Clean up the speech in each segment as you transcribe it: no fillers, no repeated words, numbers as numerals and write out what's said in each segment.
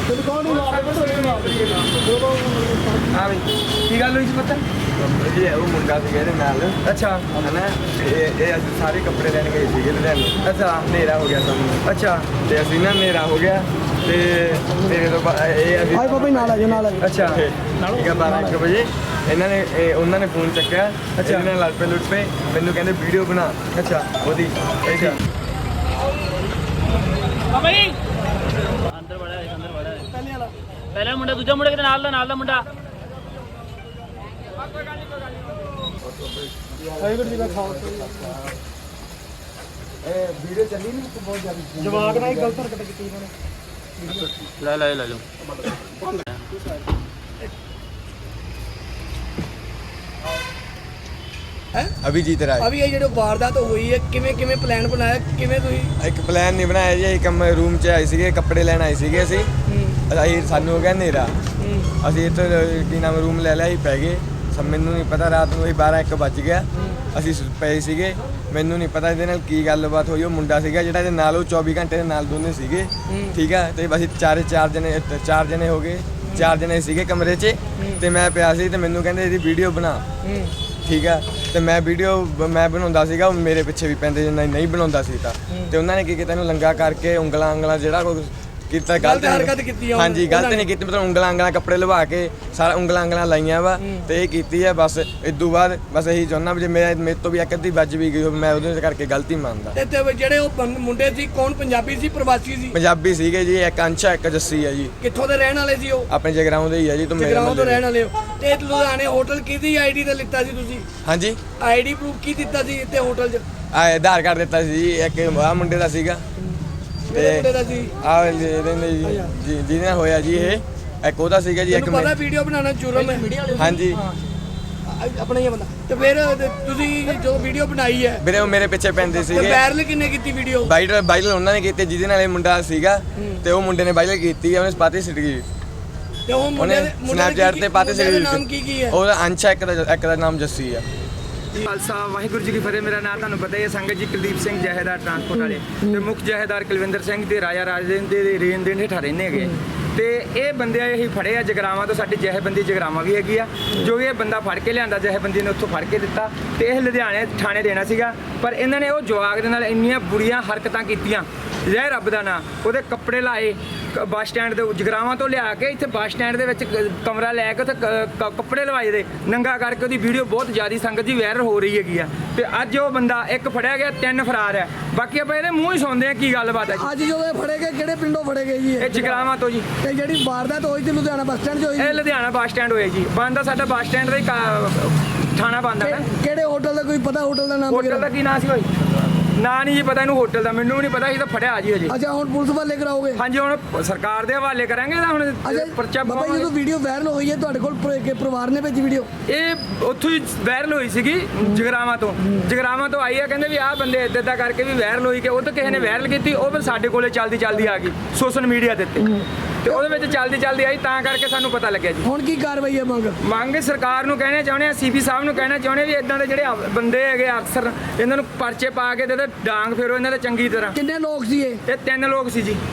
हाँ भाई की गल हुई पता वो मुंडा सी नाल अच्छा है ना ये असं सारे कपड़े लैन गए थे लुधियाने अच्छा हनेरा हो गया सानू अच्छा ते असीं ना हनेरा हो गया ते मेरे तो भाई पापा नाल आ जाओ अच्छा ठीक है 12-1 बजे इन्होंने उन्होंने फोन चक्या अच्छा इन्होंने लड़ पे लुट पे मैनू कहते वीडियो बना अच्छा ओदी अच्छा अंदर बड़ा है पहले मुंडा दूजा मुंडे के नाल दा मुंडा ਵਾਹਿਗੁਰੂ ਜੀ ਦਾ ਖਾਲਸਾ वीडियो चली नहीं तो बहुत ज्यादा ਜਵਾਕ ਨਾਲ ਹੀ ਗਲਤ ਹਰਕਤ ਕੀਤੀ ਇਹਨਾਂ ਨੇ ले लो अभी जीत रहा है ਅਭੀ ਇਹ ਜਿਹੜੇ ਵਾਰਦਾਤ ਹੋਈ ਹੈ ਕਿਵੇਂ ਪਲਾਨ ਬਣਾਇਆ ਕਿਵੇਂ ਤੁਸੀਂ ਇੱਕ ਪਲਾਨ ਨਹੀਂ ਬਣਾਇਆ ਜੀ ਇੱਕ ਰੂਮ 'ਚ ਆਏ ਸੀਗੇ ਕੱਪੜੇ ਲੈਣ ਆਏ ਸੀਗੇ ਅਸੀਂ ਸਾਨੂੰ ਹੋ ਗਿਆ ਹਨੇਰਾ ਅਸੀਂ ਇੱਥੇ ਕੀ ਨਾਮ ਰੂਮ ਲੈ ਲਿਆ ਅਸੀਂ ਪੈ ਗਏ ਮੈਨੂੰ ਨਹੀਂ ਪਤਾ ਰਾਤ ਨੂੰ 12-1 ਵੱਜ ਗਿਆ ਅਸੀਂ ਪਏ ਸੀਗੇ ਮੈਨੂੰ ਨਹੀਂ ਪਤਾ ਇਹਦੇ ਨਾਲ ਕੀ ਗੱਲਬਾਤ ਹੋਈ ਉਹ ਮੁੰਡਾ ਸੀਗਾ ਜਿਹੜਾ ਇਹਦੇ ਨਾਲ ਉਹ 24 ਘੰਟੇ ਦੇ ਨਾਲ ਦੋਨੇ ਸੀਗੇ ਠੀਕ ਆ ਤੇ ਅਸੀਂ ਚਾਰ ਜਣੇ ਹੋ ਗਏ 4 ਜਣੇ ਸੀਗੇ ਕਮਰੇ 'ਚ ਤੇ ਮੈਂ ਪਿਆ ਸੀ ਤੇ ਮੈਨੂੰ ਕਹਿੰਦੇ ਇਹਦੀ ਵੀਡੀਓ ਬਣਾ ਠੀਕ ਆ ਤੇ ਮੈਂ ਵੀਡੀਓ ਮੈਂ ਬਣਾਉਂਦਾ ਸੀਗਾ ਉਹ ਮੇਰੇ ਪਿੱਛੇ ਵੀ ਪੈਂਦੇ ਨਹੀਂ ਬਣਾਉਂਦਾ ਸੀ ਤਾਂ ਤੇ ਉਹਨਾਂ ਨੇ ਕੀ ਕੀਤਾ ਇਹਨੂੰ ਲੰਗਾ ਕਰਕੇ ਉਂਗਲਾਂ ਜਿਹੜਾ ਕੋਈ ਕੀਤਾ ਗਲਤ ਹਰਕਤ ਕੀਤੀ ਆ ਹਾਂਜੀ ਗਲਤ ਨਹੀਂ ਕੀਤੀ ਮਤਲਬ ਉਂਗਲਾਂ ਕੱਪੜੇ ਲਵਾ ਕੇ ਸਾਰਾ ਉਂਗਲਾਂ ਲਾਈਆਂ ਵਾ ਤੇ ਇਹ ਕੀਤੀ ਆ ਬਸ ਇਦੋਂ ਬਾਅਦ ਬਸ ਇਹੀ ਚਾਹੁੰਦਾ ਵੀ ਜੇ ਮੇਰੇ ਤੋਂ ਵੀ ਇੱਕ ਅੱਧੀ ਵੱਜ ਵੀ ਗਈ ਮੈਂ ਉਹਦੇ ਕਰਕੇ ਗਲਤੀ ਮੰਨਦਾ ਤੇ ਜਿਹੜੇ ਉਹ ਮੁੰਡੇ ਸੀ ਕੌਣ ਪੰਜਾਬੀ ਸੀ ਪ੍ਰਵਾਸੀ ਸੀ ਪੰਜਾਬੀ ਸੀਗੇ ਜੀ ਇੱਕ ਅੰਸ਼ਾ ਇੱਕ ਜੱਸੀ ਆ ਜੀ ਕਿੱਥੋਂ ਦੇ ਰਹਿਣ ਵਾਲੇ ਸੀ ਉਹ ਆਪਣੇ ਜਗਰਾਉਂ ਦੇ ਹੀ ਆ ਜੀ ਜਗਰਾਉਂ ਤੋਂ ਰਹਿਣ ਵਾਲੇ ਹੋ ਤੇ ਲੁਧਿਆਣੇ ਹੋਟਲ ਕਿਹਦੀ ਆਈਡੀ ਤੇ ਲਿੱਤਾ ਸੀ ਤੁਸੀਂ ਹਾਂਜੀ ਆਈਡੀ ਪ੍ਰੂਫ ਕੀ ਦਿੱਤਾ ਸੀ ਇੱਥੇ ਹੋਟਲ 'ਚ ਆਧਾਰ ਕਾਰਡ ਦਿੱਤਾ ਸੀ ਜੀ ਇੱਕ ਆ ਮੁੰਡੇ ਦਾ ਸੀਗਾ ਮੁੰਡੇ ਦਾ ਸੀ ਆ ਜਿਹਦੇ ਨਾਲ ਹੋਇਆ ਜੀ ਇਹ ਇੱਕ ਉਹਦਾ ਸੀਗਾ ਜੀ ਇੱਕ ਪਤਾ ਵੀਡੀਓ ਬਣਾਉਣਾ ਜੁਰਮ ਹੈ ਹਾਂਜੀ ਆਪਣਾ ਹੀ ਬੰਦਾ ਤੇ ਫਿਰ ਤੁਸੀਂ ਜੋ ਵੀਡੀਓ ਬਣਾਈ ਹੈ ਵੀਰੇ ਉਹ ਮੇਰੇ ਪਿੱਛੇ ਪੈਂਦੇ ਸੀਗੇ ਵਾਇਰਲ ਕਿੰਨੇ ਕੀਤੀ ਵੀਡੀਓ ਵਾਇਰਲ ਉਹਨਾਂ ਨੇ ਕੀਤੀ ਜਿਹਦੇ ਨਾਲ ਇਹ ਮੁੰਡਾ ਸੀਗਾ ਤੇ ਉਹ ਮੁੰਡੇ ਨੇ ਵਾਇਰਲ ਕੀਤੀ ਉਹਨੇ ਪਾਤੀ ਸਿੱਟ ਗਈ ਤੇ ਉਹ ਮੁੰਡੇ ਦੇ ਸਨੈਪਚੈਟ ਤੇ ਪਾਤੀ ਸਿੱਟ ਗਈ ਨਾਮ ਕੀ ਹੈ ਉਹਦਾ ਅੰਸ਼ਾ ਇੱਕ ਦਾ ਨਾਮ ਜੱਸੀ ਆ ਖਾਲਸਾ ਵਾਹਿਗੁਰੂ ਜੀ ਕੀ ਫਤਿਹ ਮੇਰਾ ਨਾਮ ਤੁਹਾਨੂੰ ਪਤਾ ਹੀ ਹੈ ਸੰਗਤ ਜੀ ਕੁਲਦੀਪ ਸਿੰਘ ਜਹੇਦਾਰ ਟਰਾਂਸਪੋਰਟ ਵਾਲੇ ਤੇ ਮੁੱਖ ਜਹੇਦਾਰ ਕੁਲਵਿੰਦਰ ਸਿੰਘ ਤੇ ਰਾਜਾ ਰਾਜੇਂਦਰ ਦੇ ਰੇਨ ਦੇ ਹੇਠਾਂ ਰਹਿੰਦੇ ਹੈਗੇ ਤੇ ਇਹ ਬੰਦੇ ਅਸੀਂ ਫੜੇ ਆ ਜਗਰਾਵਾਂ ਤੋਂ ਸਾਡੀ ਜਹੇਬੰਦੀ ਜਗਰਾਵਾਂ ਵੀ ਹੈਗੀ ਆ ਜੋ ਇਹ ਬੰਦਾ ਫੜ ਕੇ ਲਿਆਂਦਾ ਜਹੇਬੰਦੀ ਨੇ ਉੱਥੋਂ ਫੜ ਕੇ ਦਿੱਤਾ ਤੇ ਇਹ ਲੁਧਿਆਣੇ ਥਾਣੇ ਦੇਣਾ ਸੀਗਾ ਪਰ ਇਹਨਾਂ ਨੇ ਉਹ ਜਵਾਕ ਦੇ ਨਾਲ ਇੰਨੀਆਂ ਬੁਰੀਆਂ ਹਰਕਤਾਂ ਕੀਤੀਆਂ ਜੈ ਰੱਬ ਦਾ ਨਾਂ ਉਹਦੇ ਕੱਪੜੇ ਲਾਏ ਬੱਸ ਸਟੈਂਡ ਦੇ ਜਗਰਾਵਾਂ ਤੋਂ ਲਿਆ ਕੇ ਇੱਥੇ ਬੱਸ ਸਟੈਂਡ ਦੇ ਵਿੱਚ ਕਮਰਾ ਲੈ ਕੇ ਉੱਥੇ ਕੱਪੜੇ ਲਵਾਏ ਦੇ ਨੰਗਾ ਕਰਕੇ ਉਹਦੀ ਵੀਡੀਓ ਬਹੁਤ ਜ਼ਿਆਦਾ ਸੰਗਤ ਜੀ ਵਾਇਰਲ ਹੋ ਰਹੀ ਹੈਗੀ ਆ ਤੇ ਅੱਜ ਉਹ ਬੰਦਾ ਇੱਕ ਫੜਿਆ ਗਿਆ 3 ਫਰਾਰ ਹੈ ਬਾਕੀ ਆਪਾਂ ਇਹਦੇ ਮੂੰਹ ਹੀ ਸੁਣਦੇ ਆ ਕੀ ਗੱਲਬਾਤ ਹੈ ਅੱਜ ਜਦੋਂ ਇਹ ਫੜੇ ਗਏ ਕਿਹੜੇ ਪਿੰਡੋਂ ਫੜੇ ਗਏ ਜੀ ਇਹ ਜਗਰਾਵਾਂ ਤੋਂ ਜੀ ਤੇ ਜਿਹੜੀ ਵਾਰਦਾਤ ਹੋਈ ਤੇ ਲੁਧਿਆਣਾ ਬੱਸ ਸਟੈਂਡ 'ਚ ਹੋਈ ਇਹ ਲੁਧਿਆਣਾ ਬੱਸ ਸਟੈਂਡ ਹੋਇਆ ਜੀ ਬੰਦਾ ਸਾਡਾ ਬੱਸ ਸਟੈਂਡ ਦਾ ਹੀ ਥਾਣਾ ਬੰਦਾ ਹੈ ਕਿਹੜੇ ਹੋਟਲ ਦਾ ਕੋਈ ਪਤਾ ਹੋਟਲ ਦਾ ਨਾਮ ਹੋਟਲ ਦਾ ਕੀ ਨਾਂ ਸੀ ਭਾਈ ਨਾਂ ਨਹੀਂ ਜੀ ਪਤਾ ਇਹਨੂੰ ਹੋਟਲ ਦਾ ਮੈਨੂੰ ਵੀ ਨਹੀਂ ਪਤਾ ਇਹ ਤਾਂ ਫੜਿਆ ਜੀ ਹਜੇ ਅੱਛਾ ਹੁਣ ਪੁਲਿਸ ਵਾਲੇ ਕਰਾਓਗੇ ਹਾਂਜੀ ਹੁਣ ਸਰਕਾਰ ਦੇ ਹਵਾਲੇ ਕਰਾਂਗੇ ਤਾਂ ਹੁਣ ਪਰਚਾ ਬਾਬਾ ਜਦੋਂ ਵੀਡੀਓ ਵਾਇਰਲ ਹੋਈ ਹੈ ਤੁਹਾਡੇ ਕੋਲ ਪਰਿਵਾਰ ਨੇ ਭੇਜੀ ਵੀਡੀਓ ਇਹ ਉੱਥੋਂ ਹੀ ਵਾਇਰਲ ਹੋਈ ਸੀਗੀ ਜਗਰਾਵਾਂ ਤੋਂ ਆਈ ਆ ਕਹਿੰਦੇ ਵੀ ਆਹ ਬੰਦੇ ਇੱਦਾਂ ਕਰਕੇ ਵੀ ਵਾਇਰਲ ਹੋਈ ਕਿ ਉਹ ਤਾਂ ਕਿਸੇ ਨੇ ਵਾਇਰਲ ਕੀਤੀ ਉਹ ਫਿਰ ਸਾਡੇ ਕੋਲੇ ਚਲਦੀ ਆ ਗਈ ਸੋਸ਼ਲ ਮੀਡੀਆ ਦੇ ਉੱਤੇ ਤੇ ਉਹਦੇ ਵਿੱਚ ਚਲਦੀ ਆਈ ਤਾਂ ਕਰਕੇ ਸਾਨੂੰ ਪਤਾ ਲੱਗਿਆ ਜੀ ਹੁਣ ਕੀ ਕਾਰਵਾਈ ਹੈ ਮੰਗ ਸਰਕਾਰ ਨੂੰ ਕਹਿਣਾ ਚਾਹੁੰਦੇ ਆ ਸੀਪੀ ਸਾਹਿਬ ਨੂੰ ਕਹਿਣਾ ਚਾਹੁੰਦੇ ਵੀ ਇਦਾਂ ਦੇ ਜਿਹੜੇ ਬੰਦੇ ਹੈਗੇ ਅਕਸਰ ਇਹਨਾਂ ਨੂੰ ਪਰਚੇ ਪਾ ਕੇ ਤੇ ਡਾਂਗ ਫੇਰੋ ਇਹਨਾਂ ਦੇ ਚੰਗੀ ਤਰ੍ਹਾਂ ਕਿੰਨੇ ਲੋਕ ਸੀ ਇਹ 3 ਲੋਕ ਸੀ ਜੀ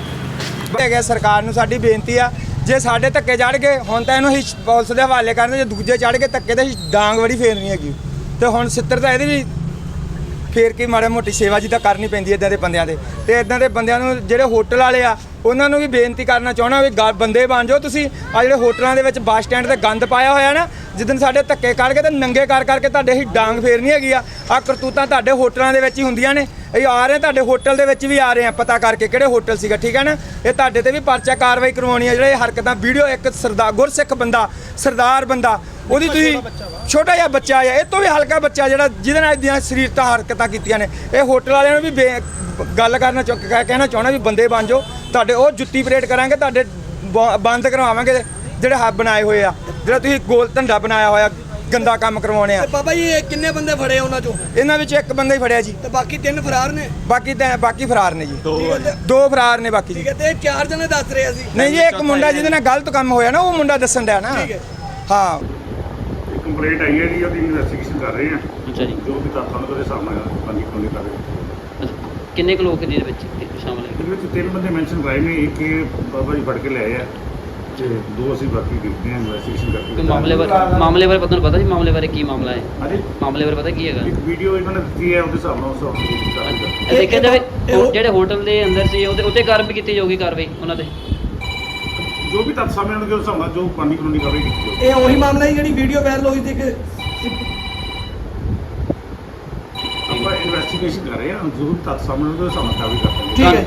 ਹੈਗਾ ਸਰਕਾਰ ਨੂੰ ਸਾਡੀ ਬੇਨਤੀ ਆ ਜੇ ਸਾਡੇ ਧੱਕੇ ਚੜ ਗਏ ਹੁਣ ਤਾਂ ਇਹਨੂੰ ਅਸੀਂ ਪੁਲਿਸ ਦੇ ਹਵਾਲੇ ਕਰਨੇ ਜੇ ਦੂਜੇ ਚੜ ਗਏ ਧੱਕੇ ਤੇ ਡਾਂਗ ਬੜੀ ਫੇਰਨੀ ਹੈਗੀ ਤੇ ਹੁਣ ਸਿੱਤਰ ਤਾਂ ਇਹਦੀ ਵੀ ਫੇਰ ਕੇ ਮਾੜਾ ਮੋਟੀ ਸੇਵਾ ਜੀ ਤਾਂ ਕਰਨੀ ਪੈਂਦੀ ਇਦਾਂ ਦੇ ਬੰਦਿਆਂ ਦੇ ਤੇ ਇਦਾਂ ਦੇ ਬੰਦਿਆਂ ਨੂੰ ਜਿਹੜੇ ਹੋਟਲ ਵਾਲੇ ਆ ਉਹਨਾਂ ਨੂੰ ਵੀ ਬੇਨਤੀ ਕਰਨਾ ਚਾਹਣਾ ਵੀ ਬੰਦੇ ਬਣ ਜਾਓ ਤੁਸੀਂ ਆ ਜਿਹੜੇ ਹੋਟਲਾਂ ਦੇ ਵਿੱਚ ਬੱਸ ਸਟੈਂਡ ਤੇ ਗੰਦ ਪਾਇਆ ਹੋਇਆ ਨਾ ਜਿੱਦਣ ਸਾਡੇ ਧੱਕੇ ਕੱਢ ਕੇ ਤੇ ਨੰਗੇ ਕਰਕੇ ਤੁਹਾਡੇ ਹੀ ਡਾਂਗ ਫੇਰਨੀ ਹੈਗੀ ਆ ਕਰਤੂਤਾਂ ਤੁਹਾਡੇ ਹੋਟਲਾਂ ਦੇ ਵਿੱਚ ਹੀ ਹੁੰਦੀਆਂ ਨੇ ਇਹ ਆ ਰਹੇ ਤੁਹਾਡੇ ਹੋਟਲ ਦੇ ਵਿੱਚ ਵੀ ਆ ਰਹੇ ਆ ਪਤਾ ਕਰਕੇ ਕਿਹੜੇ ਹੋਟਲ ਸੀਗਾ ਠੀਕ ਹੈ ਨਾ ਇਹ ਤੁਹਾਡੇ ਤੇ ਵੀ ਪਰਚਾ ਕਾਰਵਾਈ ਕਰਵਾਉਣੀ ਆ ਜਿਹੜੇ ਹਰਕਤਾਂ ਵੀਡੀਓ ਇੱਕ ਗੁਰਸਿੱਖ ਬੰਦਾ ਸਰਦਾਰ ਬੰਦਾ ਉਹਦੀ ਤੁਸੀਂ ਛੋਟਾ ਜਿਹਾ ਬੱਚਾ ਆ ਇਹ ਤੋਂ ਵੀ ਹਲਕਾ ਬੱਚਾ ਜਿਹੜਾ ਜਿਹਦੇ ਨਾਲ ਦੀਆਂ ਸਰੀਰਤਾ ਹਰਕਤਾਂ ਕੀਤੀਆਂ ਨੇ ਇਹ ਹੋਟਲ ਵਾਲਿਆਂ ਨੂੰ ਵੀ ਗੱਲ ਕਹਿਣਾ ਚਾਹੁੰਦਾ ਵੀ ਬੰਦੇ ਬਣ ਜਾਓ ਤੁਹਾਡੇ ਉਹ ਜੁੱਤੀ ਪਰੇਡ ਕਰਾਂਗੇ ਤੁਹਾਡੇ ਬੰਦ ਕਰਵਾਵਾਂਗੇ ਜਿਹੜੇ ਹੱਬ ਬਣਾਏ ਹੋਏ ਆ ਜਿਹੜਾ ਤੁਸੀਂ ਗੋਲ ਧੰਦਾ ਬਣਾਇਆ ਹੋਇਆ ਗੰਦਾ ਕੰਮ ਕਰਵਾਉਣੇ ਆ ਬਾਬਾ ਜੀ ਇਹ ਕਿੰਨੇ ਬੰਦੇ ਫੜੇ ਉਹਨਾਂ ਚੋਂ ਇਹਨਾਂ ਵਿੱਚ ਇੱਕ ਬੰਦਾ ਹੀ ਫੜਿਆ ਜੀ ਤੇ ਬਾਕੀ 3 ਫਰਾਰ ਨੇ ਬਾਕੀ ਫਰਾਰ ਨੇ ਜੀ 2 ਫਰਾਰ ਨੇ ਬਾਕੀ ਠੀਕ ਹੈ ਤੇ 4 ਜਣੇ ਦੱਸ ਰਹੇ ਸੀ ਨਹੀਂ ਜੀ ਇੱਕ ਮੁੰਡਾ ਜਿਹਦੇ ਨਾਲ ਗਲਤ ਕੰਮ ਹੋਇਆ ਨਾ ਉਹ ਮੁੰਡਾ ਦੱਸਣ ਡਿਆ ਨਾ ਹਾਂ ਕੰਪਲੇਂਟ ਆਈ ਹੈ ਜੀ ਉਹਦੀ ਇਨਵੈਸਟੀਗੇਸ਼ਨ ਕਰ ਰਹੇ ਆ ਅੱਛਾ ਜੀ ਜੋ ਵੀ ਤੱਥਾਂ ਨੂੰ ਉਹਦੇ ਸਾਹਮਣੇ ਪੰਜੀ ਕਰ ਰਹੇ ਕਿੰਨੇ ਕੁ ਲੋਕ ਜਿਹਦੇ ਵਿੱਚ ਸ਼ਾਮਲ ਹੈ? ਇਹਦੇ ਵਿੱਚ 3 ਬੰਦੇ ਮੈਂਸ਼ਨ ਕਰਾਏ ਨੇ, ਇੱਕ ਇਹ ਬਾਬਾ ਜੀ ਫੜ ਕੇ ਲਿਆਏ ਆ ਤੇ 2 ਅਸੀਂ ਬਾਕੀ ਦੇਖਦੇ ਹਾਂ ਇਨਵੈਸਟੀਗੇਸ਼ਨ ਕੋਈ ਕਰਕੇ। ਮਾਮਲੇ ਬਾਰੇ ਪਤਾ ਨੂੰ ਪਤਾ ਜੀ ਮਾਮਲੇ ਬਾਰੇ ਕੀ ਮਾਮਲਾ ਹੈ? ਹਾਂਜੀ, ਮਾਮਲੇ ਬਾਰੇ ਪਤਾ ਕੀ ਹੈਗਾ? ਇੱਕ ਵੀਡੀਓ ਇਹਨਾਂ ਨੇ ਦਿੱਤੀ ਹੈ, ਉਹਦੇ ਹਿਸਾਬ ਨਾਲ ਉਸ ਹਿਸਾਬ ਨਾਲ ਇਹ ਦੇਖਿਆ ਜਾਵੇ ਜਿਹੜੇ ਹੋਟਲ ਦੇ ਅੰਦਰ ਸੀ ਉਹਦੇ ਉੱਤੇ ਕਾਰਵਾਈ ਕੀਤੀ ਜਾਊਗੀ, ਕਾਰਵਾਈ ਉਹਨਾਂ ਤੇ ਜੋ ਵੀ ਤੱਥ ਸਾਹਮਣੇ ਆਉਣਗੇ ਉਸ ਹਿਸਾਬ ਨਾਲ ਜੋ ਕਾਨੂੰਨੀ ਕਾਰਵਾਈ ਕੀਤੀ ਜਾਊਗੀ। ਇਹ ਉਹੀ ਮਾਮਲਾ ਹੈ ਜਿਹੜੀ ਵੀਡੀਓ ਵਾਇਰਲ ਹੋਈ ਸੀ ਕਿ ਆਪਾਂ ਇਨਵੈਸਟੀਗੇਸ਼ਨ ਕਰ ਰਹੇ ਹਾਂ, ਜੋ ਵੀ ਤੱਥ ਸਾਹਮਣੇ ਆਉਣਗੇ ਉਸ ਹਿਸਾਬ ਨਾਲ ਕਾਰਵਾਈ ਕਰਦੇ ਹਾਂ। ਠੀਕ ਹੈ।